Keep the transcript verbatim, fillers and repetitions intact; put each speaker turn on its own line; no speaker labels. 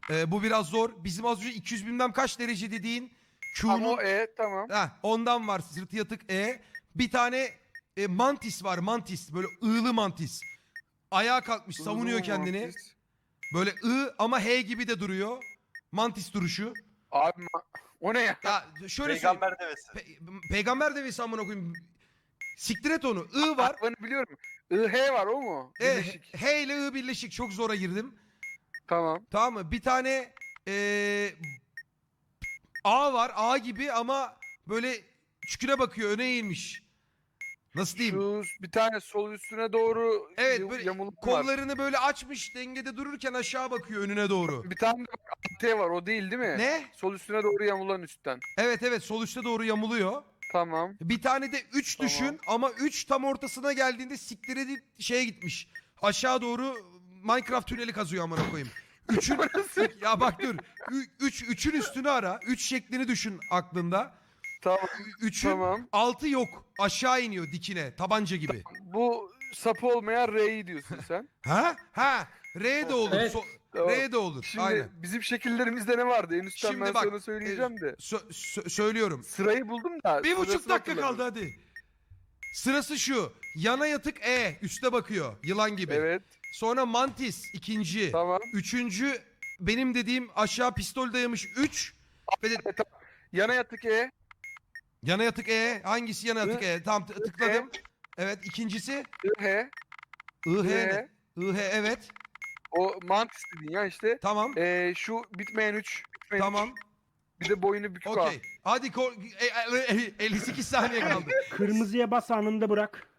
Ee, bu biraz zor. Bizim az önce iki yüz bilmem kaç derece dediğin
Ama
Q'nun
o E tamam.
heh, ondan var sırtı yatık E. Bir tane e, mantis var, mantis, böyle ığlı mantis. Ayağa kalkmış, savunuyor
Uzun
kendini.
mantis.
Böyle I ama H gibi de duruyor. Mantis duruşu.
Abi ma- o ne ya?
Ya şöyle söyleyeyim.
Peygamber devesi.
Pe- peygamber devesi amına koyayım. Siktir et onu. I var.
Aklını biliyorum. I H var o mu?
E,
Birleşik.
H ile I birleşik. Çok zora girdim.
Tamam.
Tamam mı? Bir tane eee, A var. A gibi ama böyle çüküne bakıyor. Öne eğilmiş. Nasıl diyeyim?
Şu bir tane sol üstüne doğru
Evet,
y-
böyle
yamuluk var.
kollarını böyle açmış, dengede dururken aşağı bakıyor önüne doğru.
Bir tane de bak, T var o değil değil mi?
Ne?
Sol üstüne doğru yamulan üstten.
Evet evet, sol üstte doğru yamuluyor.
Tamam.
Bir tane de üç
Tamam.
düşün ama üç tam ortasına geldiğinde siktir edip şeye gitmiş. Aşağı doğru Minecraft tüneli kazıyor amına koyayım. üçün ya bak dur. üç üçün üstünü ara. üç şeklini düşün aklında.
Tamam.
üçün
Tamam.
altı yok. Aşağı iniyor dikine. Tabanca gibi.
Bu sapı olmayan R'yi diyorsun sen.
Ha? Ha. R de olur.
Evet.
So-
Tamam.
R de olur.
Şimdi
Aynen.
bizim şekillerimizde ne vardı? En üstten
Şimdi
ben
bak,
sana söyleyeceğim de.
Sö- sö- söylüyorum.
Sırayı buldum da.
Bir buçuk
sırasını
dakika kaldı
hatırlamıyorum.
hadi. Sırası şu. Yana yatık E. Üste bakıyor. Yılan gibi.
Evet.
Sonra mantis ikinci.
Tamam.
Üçüncü benim dediğim aşağı pistol dayamış üç. Ve de,
Yana yatık E.
yana yatık E. Hangisi yana yatık
I-
E? Tamam t- tıkladım. Evet ikincisi.
I H.
I H
I
ne?
H.
I H evet.
O mantis dedin ya işte.
Tamam.
Ee, şu bitmeyen üç. Bitmeyen
Tamam.
üç. Bir de boynu bükük A.
Okey. Hadi ko- e- e- e- elli sekiz saniye kaldı.
Kırmızıya bas anında bırak.